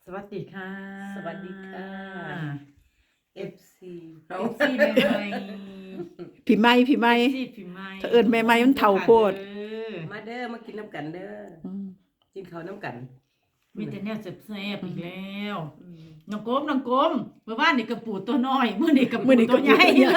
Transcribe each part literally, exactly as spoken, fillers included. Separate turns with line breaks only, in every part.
สวัสดีค่ะ
สวัสดีค่ะ เอฟ ซี
เอฟซีใหม่ใหม่
พี่ไม้พี่ไม้
เอฟซีพี่ใหม่
ถ้าเอิ้นใหม่ๆมันเฒ่าโพด
เออ
มาเด้อมากินน้ำกันเด้อ
อืม
กินข้าวน้ำกัน
มีแต่แนวแซ่บๆอีกแล้วน้องกบน้องกบเมื่อวานนี่กระปูตัวน้อยมื้อนี้กระปูตัวใหญ่เลย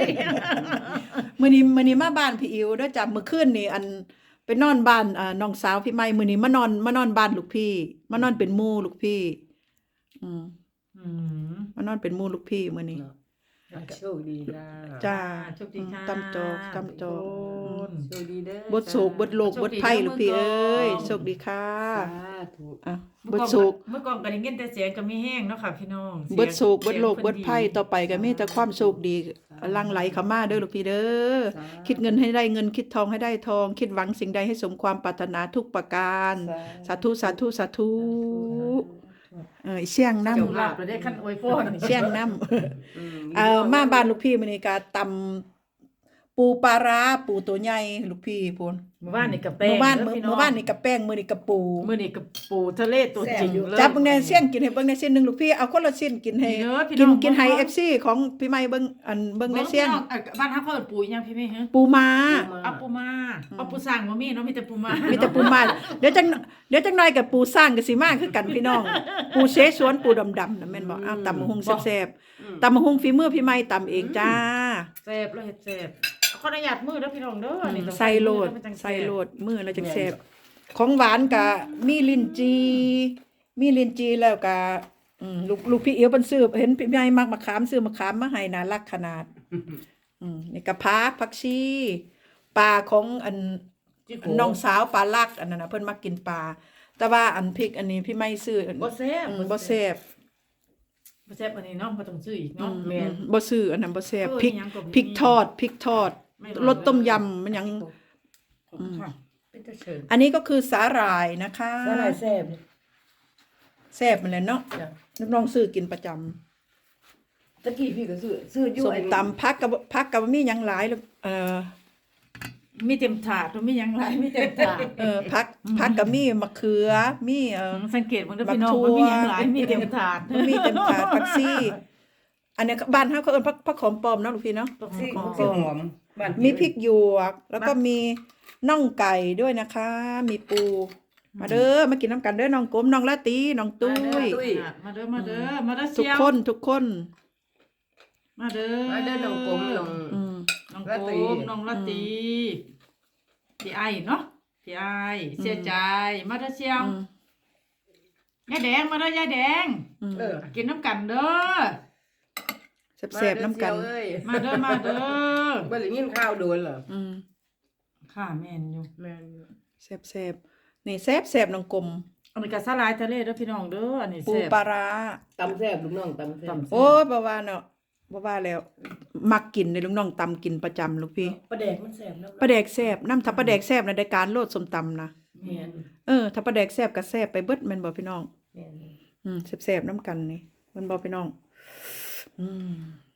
มื้อนี้มื้อนี้มาบ้านพี่อิ๋วเด้อจ้ะมื้อคืนนี่อันไปนอนบ้านอ่าน้องสาวพี่ไม้มื้อนี้มานอนมานอนบ้านลูกพี่มานอนเป็นหมู่ลูกพี่อืม
อืม
มานอนเป็นหมู่ลูกพี่มื้อนี้
เนาะโชคดีจ้า
จ้า
โชคดีค่ะ
ตำจอกตำจอก
ทุคน
โชคดีเด้อ
บ่โศกบ่โลกบ่ภัยลูกพี่เอ้ยโชคดีค่ะ
สาธุ
อ่ะ
เมื่
บ่
อก่อน
โศก
เมื่อก่อนก็ได้ยินแต่เสียงก็มีแห้งเนาะค่ะพี่น้อง
เบิดโศกเบิดโลก
สียง
เบิดภัย
พิ่น
ต่อไปก็มีแต่ความโชคดีหลั่งไหลเข้ามาเด้อลูกพี่เด้อคิดเงินให้ได้เงินคิดทองให้ได้ทอง คิดหวังสิ่งใดให้สมความปรารถนาทุกประการ สาธุสาธุสาธุเออเสียงน้
เจ้าลาบเราได้คันอวยพร
ำเสียงน้
อืม
ำเอ่อมาบ้านลูกพี่มื้อนี้ก็ตำปูปลาร้าปูตัวใหญ่ลูกพี่พูน
เมื่อวานนี่กับแป้ง
เมื่อวาน
ด้
เมื่อ
พี่
เมื่อวานนี่กับแป้งมื้อนี้กับปู
มื้อนี้กับปูทะเลตัวจริงเลย
จับเบิ่งแน่เสียงกินให้เบิ่งแน่เส้นหนึงลูกพี่เอาคนละชิ้นกินให้
เด้อพี่
กิ
น้
น
อง
กินให้
เบิ่ง
เอฟ ซี ของพี่ใหม่เบิ่งอันเบิ่งแน่เสียง
บิ่พี่น้ออ่ะบ้านเฮาเขาเอิ้นปูอีหยังพี่แม่ฮะ
ปูม้า
เอาปูมาเอาปูสร้างบ่มีเนาะมีแต่ปูมา
มีแต่ปูม้าเดี๋ยวจังเดี๋ยวจังหน่อยกับปูสร้างก็สิมาคือกันพี่น้อง ปูเสฉวนปูดำๆน่ะแม่นบ่อ้าวตำบักหุ่งแซ่บๆตำบักหุ่งฝีมือพี่ใหม่ตำเองจ้า
แซ่บแล้วเฮ็ดแซ่บขออนุญาตมือเด้อพี่น้องเด้อนี่ต้อง
ใส่โลด
มือแล้วมันจังแซ่บ
ใส่โลดมือแล้วจังแซ่บของหวานก็มีลิ้นจีมีลิ้นจีแล้วก็อืมลูกลูกพี่เอียวเพิ่นซื้อเห็นพี่ใหญ่มักมะขามซื้อมะขามมาให้น่ารักขนาดอืมนี่ก็ผักผักชีปลาของอัน น้องสาวปลาลักอันนั้นน่ะเพิ่นมักกินปลาแต่ว่าอันพริกอันนี้พี่ไม่ซื้อ
บ่แซ่บ
อืมบ่แซ่บ
บ่แซ่บอันนี้เนาะบ่ต้องซื้ออีก
อื
เนาะ
ม
แม่น
บ่ซื้ออันนั้นบ่แซ่บ
เออ
พริก
อิหยังก็บ่มี
พริกทอดพริกทอด
ไม่
รสต้มยำมันหยัง
ขอบคุณค่ะเป็นตาเชิญ
อันนี้ก็คือสาหร่ายนะคะ
สาหร่ายแซ่บ
แซ่บมันแหละเนาะ
จ้ะ
น้องๆซื้อกินประจำ
ตะกี้พี่ก็ซื้อซื้ออยู่
ส้ม
ไอ้
ตำผักกับผักกับมีหยังหลายแล้วเอ่อ
มีเต็มถาดบ่มีหยังหลายมีเต็มถาด
เอ่อผักผักกับมีมะเขือมีเอ่อ
สังเกตเบิ่งเด้อพี่น้อง
บักถั่ว
บ่มีหยังหลายมีเต็มถาด
มันมีเต็มถาดผักซี่อันเนี้ยบ้านเฮาก็เอิ้นผักผักหอมปลอมเนาะลูกพี่เนาะ
ซี่
ของ
ซี่หอมบ้าน
มีพริกหยวก แล้วก็มีน่องไก่ด้วยนะคะ มีปู มาเด้อมากินน้ำกันเด้อน้องกลมน้องละตีน้องตุ้ย
มาเด้อมาเด้อมาเด้อ
ทุก
เชียว
คนทุกคน
มาเด้อ
มาเด้อน้องกลมน้อง
อืม
น้อง
ละ
โก
ตี
มน้องละตีพี่ไอ้เนาะพี่ไอ้เสียใจมาเด้อเชียว
อืม
ยายแดงมาเด้อยายแดง
อืม
เออ
กินน้ำกันเด้อ
แซ่บๆน้ำกัน
มาเด้อเสี่ยวเอ้ย
มาเด้อมาเด้อ
บ่ได้ยินข้าวโดนเหรอ
อืม
ข้าแม่นอยู่
แม่นอยู่
แซ่บๆนี่แซ่บแซ่บน้องกลม
อันนี้ก็สลายทะเลเด้อพี่น้องเด้ออันนี้
ปู
แซ่บ
ปลาร้า
ตำแซ่บลูกน้องตำแซ่บ
ตำ
โอ้ยบ่ว่าเนาะบ่ว่าแล้ว มักกินในลูกน้องตำกินประจำลูกพี่
ปลาแดกมันแซ่บเนาะ
ปลาแดกแซ่บน้ำถ้าปลาแดกแซ่บในะได้การโลดส้มตำนะ
แม่น
เออถ้าปลาแดกแซ่บก็แซ่บไปเบิดแม่นบ่พี่น้อง
แม่น
อืมแซ่บๆน้ำกันนี่แมันบ่พี่น้อง อืม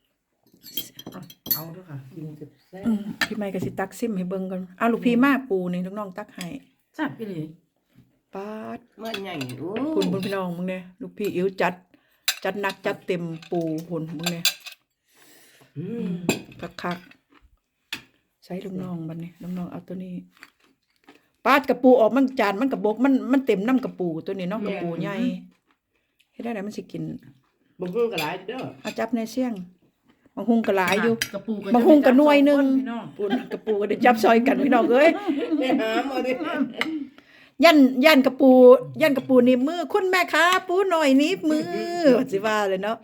เอาเด้อค่ะ
กินแซ่บ
อืมพี่ไม้ก็สิตักซิมให้เบิ่งก่อนอ้าวลูกพี่มาปูนี่ลูกน้องตักให้
แซ่บพี่หลี
ปาด
เมื่อใหญ่โอ้
คุณเบิ่งพี่น้องมึงเนี่ยลูกพี่อิ๋วจัด จัดหนักจัดเต็มปูหุ่นมึงเนี่ย
อืม
คักๆใช้ลูกน้องบัดนี้ลูกน้องเอาตัวนี้ปาดกระปูออกมันจานมันกระบกมันมันเต็มน้ำกระปูตัวนี้เนาะกระปูใหญ่เฮ็ดได้ไหนมันสิกิน
บ่ฮู้ก็หลายเด้อ
เอาจับในเสี่ยงบางหุงก็หลายอยู่
กระปู
บางหุงก็หน่วยหนึง
พี่น้อง
ปูนกระปูก็ได้จับซอยกันพี่น้องเอ้ย
ไปหามาดิ
ยันยันกระปูยันกระปูหนีบมือคุณแม่ค้าปูหน่อยหนีบมือสิว่าเลยเนาะ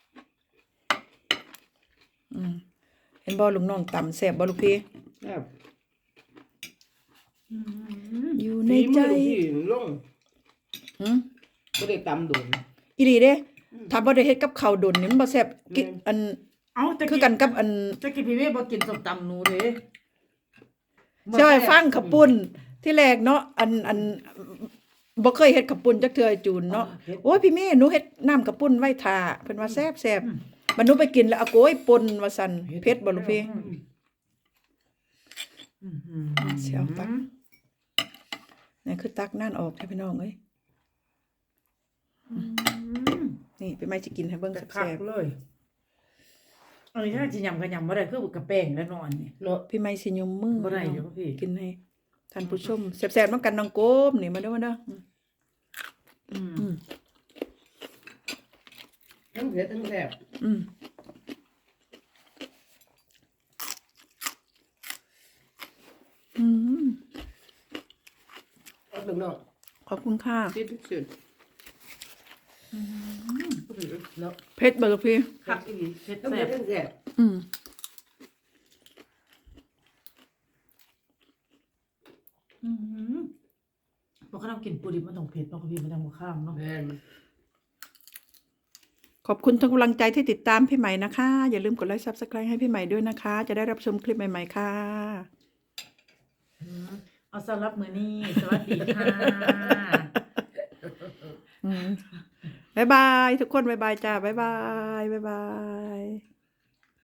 อืมเห็นบ่ลุงน้องตำแซ่บบ่ลูกพี่
แซ่บ
อืม
อยู่ในใจ
ฝีมือพี่ลง
หืม
บ่ได้ตำโดน
อีหลีเด้ถ้าบ่ได้เฮ็ดกับข้าวดนนี่มันบ่แซ่บกิ
แม่น
อัน
เอาตะ
คือกันกับอัน
ตะกี้พี่เว้บ่กินส้มตำหนูเด้
ใช่ฟังข้าวปุ้นที่แรกเนาะอันอันบ่เคยเฮ็ดข้าวปุ้นจักเทื่อไอ้จูนเนาะโอ้ยพี่เมย์หนูเฮ็ดน้ำข้าวปุ้นไว้ท่าเพิ่นว่าแซ่บแซ่บมันหนูไปกินแล้วเอาโกยป่นว่าซั่นเผ็ดบ่ลูกพี่
อืมอืม
เสียวตัก นี่คือตักนั่นออกให้พี่น้องเอ้ย
อืม
นี่พี่ไม้จะกินให้เบิ่ง
แต่คั
แซ่
ก
บ
เลยอันนี้ถ้าจะยำก็ยำบ่ได้คือกระแป้งแล้วนอนนี่
เนาะ
ๆพี่ไม้สิยมมือ
บ่ได้เดี๋ยวพี่
กินให้ท่านผู้ชมแซ่บๆนำกันน้องโกมนี่มาเด้อมาเด้อ
อืม
อืม
ทั้งเผ็ดทั้งแซ่บ
อืมอืม
เอาถึงเนาะ
ขอบคุณค่ะ
ติดทุกสิ่งเนาะ
เพชรเบอร์พี่
คักอีหลีเผ็ด
ทั้ง
แซ่
เผ็
บ
ดทั้งแซ่บ
อืม
อืมบ่คันเอากินปูดิบมันต้องเผ็ดเนาะพี่มันต้องบ่ข้ามเนาะ
แม่น
ขอบคุณทุกกำลังใจที่ติดตามพี่ใหม่นะคะ อย่าลืมกดไลค์ Subscribe ให้พี่ใหม่ด้วยนะคะ จะได้รับชมคลิปใหม่ๆค่ะ
อืมเอาสำหรับมื้อนี้สวัสดีค่ะ
อืมบ๊ายบาย ทุกคนบ๊ายบายจ้าบ๊ายบายบ๊ายบาย